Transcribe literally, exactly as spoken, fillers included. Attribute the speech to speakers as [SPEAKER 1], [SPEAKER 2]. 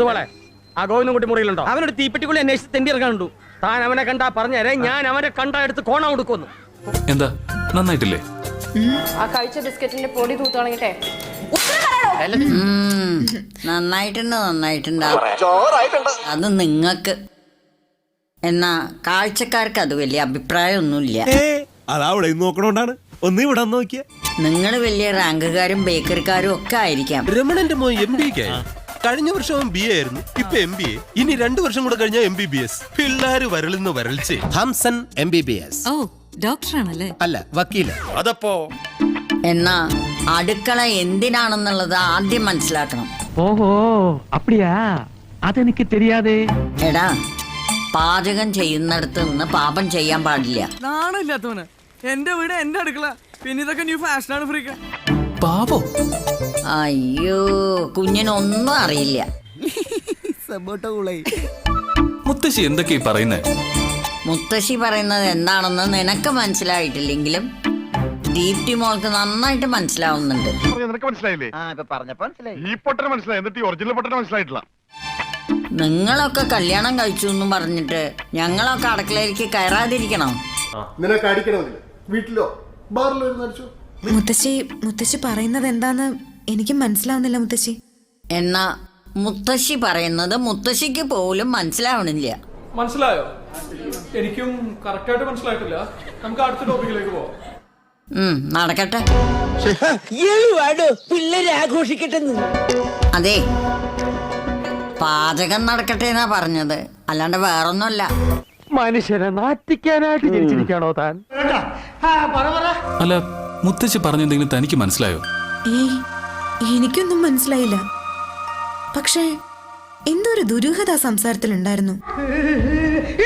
[SPEAKER 1] മുതുവളെ ആ ഗോവിന്ദൻകുട്ടി മുറിയിലുണ്ടോ? അവനൊരു തീപ്പെട്ടിക്കുള്ളി അന്വേഷിച്ച് തെണ്ടി ഇറങ്ങാനുണ്ടു. താൻ അവനെ കണ്ടാ പറഞ്ഞേരെ, ഞാൻ അവനെ കണ്ടാ എടുത്ത് കോണ കൊടുക്കുന്നു.
[SPEAKER 2] എന്താ നന്നായിട്ടില്ലേ?
[SPEAKER 3] ആ കഴിച്ച ബിസ്ക്കറ്റിന്റെ പൊടി തൂത്താണെങ്കിട്ടെ
[SPEAKER 4] നന്നായിട്ടുണ്ട് നന്നായിട്ടുണ്ട് അത് നിങ്ങക്ക്. എന്നാ കാഴ്ചക്കാർക്ക് അത് വലിയ അഭിപ്രായമൊന്നുമില്ല.
[SPEAKER 5] അതവിടെ നോക്കണോണ്ടാണ്. ഒന്ന് ഇവിടെ നോക്കിയ
[SPEAKER 4] നിങ്ങൾ വലിയ റാങ്കുകാരും ബേക്കറിക്കാരും ഒക്കെ ആയിരിക്കാം.
[SPEAKER 5] രമണന്റെ മോൻ എം ബി ക്ക് കഴിഞ്ഞ വർഷവും ബി എ ആയിരുന്നു, ഇപ്പൊ എം ബി എ. ഇനി രണ്ടു വർഷം കൂടെ കഴിഞ്ഞാൽ എം ബി ബി എസ്. പിള്ളേര് വരളുന്ന വരൾച്ചേ. Hamsan M B B S.
[SPEAKER 6] ഓ ഡോക്ടറാണല്ലേ?
[SPEAKER 5] അല്ല, വക്കീല്. അതപ്പോ
[SPEAKER 4] എന്നാ അടുക്കള എന്തിനാണെന്നുള്ളത് ആദ്യം മനസ്സിലാക്കണം.
[SPEAKER 1] ഓഹോ അപ്പടിയാ, അതെനിക്ക് தெரியாதே.
[SPEAKER 4] എടാ, പാചകം ചെയ്യുന്നിടത്ത് നിന്ന് പാപം ചെയ്യാൻ പാടില്ല.
[SPEAKER 7] നാണില്ലാത്തവന്. എന്റെ വീട് എന്റെ അടുക്കള, പിന്നെ ഇതൊക്കെ ന്യൂ ഫാഷനാണ്. ഫ്രീക്ക
[SPEAKER 2] പാപോ?
[SPEAKER 4] അയ്യോ, കുഞ്ഞിനൊന്നും അറിയില്ല.
[SPEAKER 2] മുത്തശ്ശി എന്തൊക്കെയാ പറയുന്നേ?
[SPEAKER 4] മുത്തശ്ശി പറയുന്നത് എന്താണെന്ന് നിനക്ക് മനസ്സിലായിട്ടില്ലെങ്കിലും ദീപ്തി മോൾക്ക് നന്നായിട്ട് മനസ്സിലാവുന്നുണ്ട്. നിങ്ങളൊക്കെ കല്യാണം കഴിച്ചു എന്നും പറഞ്ഞിട്ട് ഞങ്ങളൊക്കെ അടുക്കളയിലേക്ക് കയറാതിരിക്കണം.
[SPEAKER 8] വീട്ടിലോ ബാറിലോ ഇരുന്നടിച്ചോ?
[SPEAKER 6] മുത്തശ്ശി മുത്തശ്ശി പറയുന്നത് എന്താന്ന് എനിക്ക് മനസ്സിലാവുന്നില്ല മുത്തശ്ശി.
[SPEAKER 4] എന്നാ മുത്തശ്ശി പറയുന്നത് മുത്തശ്ശിക്ക് പോലും മനസ്സിലാവണില്ല.
[SPEAKER 9] മനസ്സിലായോ? എനിക്കും കറക്റ്റായിട്ട് മനസ്സിലായിട്ടില്ല. നമുക്ക് അടുത്ത ടോപ്പിക്കിലേക്ക് പോവാം.
[SPEAKER 4] ഉം നടക്കട്ടെ.
[SPEAKER 7] പിള്ളേരെ ആഘോഷിക്കട്ടെ.
[SPEAKER 4] അതെ, പാചകം നടക്കട്ടെ എന്നാ പറഞ്ഞത്, അല്ലാണ്ട് വേറൊന്നുമല്ല.
[SPEAKER 1] മനുഷ്യനെ നാറ്റിക്കാനായിട്ട് ജനിച്ചിരിക്കാണോ താൻ?
[SPEAKER 2] അല്ല, മുത്തശ്ശി പറഞ്ഞെന്തെങ്കിലും തനിക്ക് മനസ്സിലായോ?
[SPEAKER 6] ഏയ്, എനിക്കൊന്നും മനസ്സിലായില്ല. പക്ഷേ എന്തോ ഒരു ദുരൂഹത സംസാരത്തിലുണ്ടായിരുന്നു.